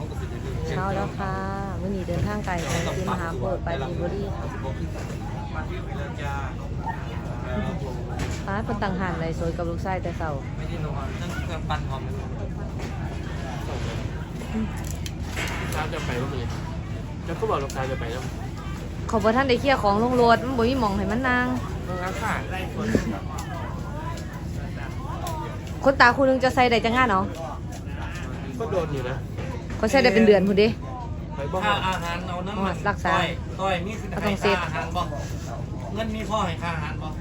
เช้าแล้วค่ะมื้อนี้เดินทางไกลไปที่มหาโพธิ์ปราจีนบุรีค่ะป้าคนต่างหันเลยสวยกับลูกชายแต่เช้าไม่ได้นอนนั่งเครื่องปั้นพร้อมเลยเช้าจะไปก็มีแล้วก็บอกลูกชายจะไปแล้วเขาบอกท่านได้เคลียร์ของลงรถมันบ่มีหม่องให้มันนางต้องรักษาได้คนคนตาคู่นึงจะใส่ได้จังงานเนาะก็โดนอยู่นะเขาใส่ได้เป็นเดือนพุ่นเด้ไปบ้างค่าอาหารเอาน้ำมันรักษาต้อยมีค่าอาหารบ่เงินมีพ่อให้ค่าอาหารบ่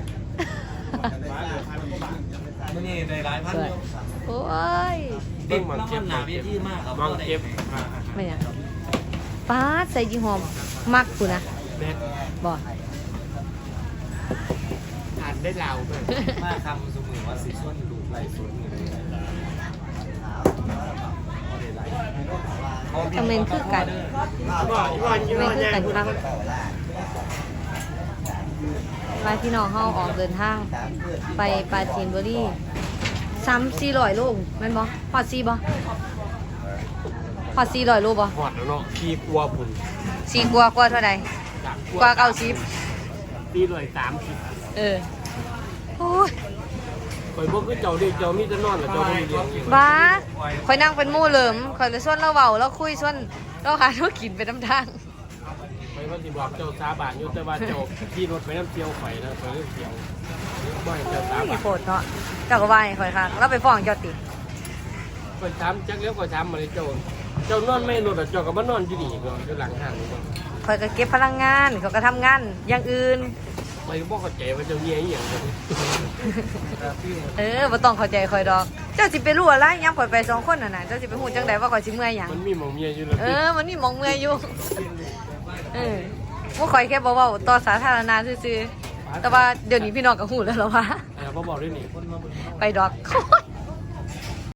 มันนี่ได้หลายพันอยู่โอ้ยติดน้ำมันหนาเวทีมากครับมองเก็บไม่ยังป้าใส่ยี่ห้อมักกูนะเบ็ดบ่อ่านได้ลาวด้วยมาคำสมือว่าสีส้นดูไหลส้นคอมเมนต์คือกันคอมเมนต์คือกันครับไปพี่น้องเฮาออกเดินทางไปปราจีนบุรี3-400 โลแม่นบ่ฮอด4บ่ฮอด400 โลบ่หอดแล้วเนาะพี่กลัวผุน 4กว่าเท่าใดกว่า90 ตีเลย30 เออโอ้ยคอยบอกคือเจ้าเด็กเจ้ามีแต่นอนกับเจ้าไม่มีเลี้ยงบ้าข่อยนั่งเป็นหมู่เหลิมข่อยเลยส่วนเราเว้าเราคุยส่วนเราหาเรากินไปนำทางไปว่าสิบอกเจ้าสาบานอยู่แต่ว่าเจ้าขี่รถไปน้ำเที่ยวไฟนะไปเรื่องเที่ยวบ่อยเจ้าสาบานี่นโพดเนาะเจ้าก็ว่าให้ข่อยค่ะเราไปฟ้องเจ้าติคอยถามจักเลี้ยวคอยถามมาเลยเจ้านอนไม่นอนเจ้าก็มานอนอยู่นี่ก็อยู่หลังห้างนี่ก็ข่อยก็เก็บพลังงานเขาก็ทำงานอย่างอื่นไปบอกเขาใจว่าเจ้าเงี้ยอย่างเดียวบ่ต้องเข้าใจข่อยดอก เจ้าสิไปรู้อะไรยามข่อยไป2คนน่ะนะเจ้าสิไปฮู้จังไดว่าข่อยสิเมื่อยหยังมันมีหมองเมียอยู่แล้วมันมีหมองเมื่อยอยู่พวกข่อยแค่บ่เว้าต่อสาธารณะซื่อๆแต่ว่าเดี๋ยวนี้พี่น้องก็ฮู้แล้วเหรอวะพ่อบอกด้วยนี่ไปดอก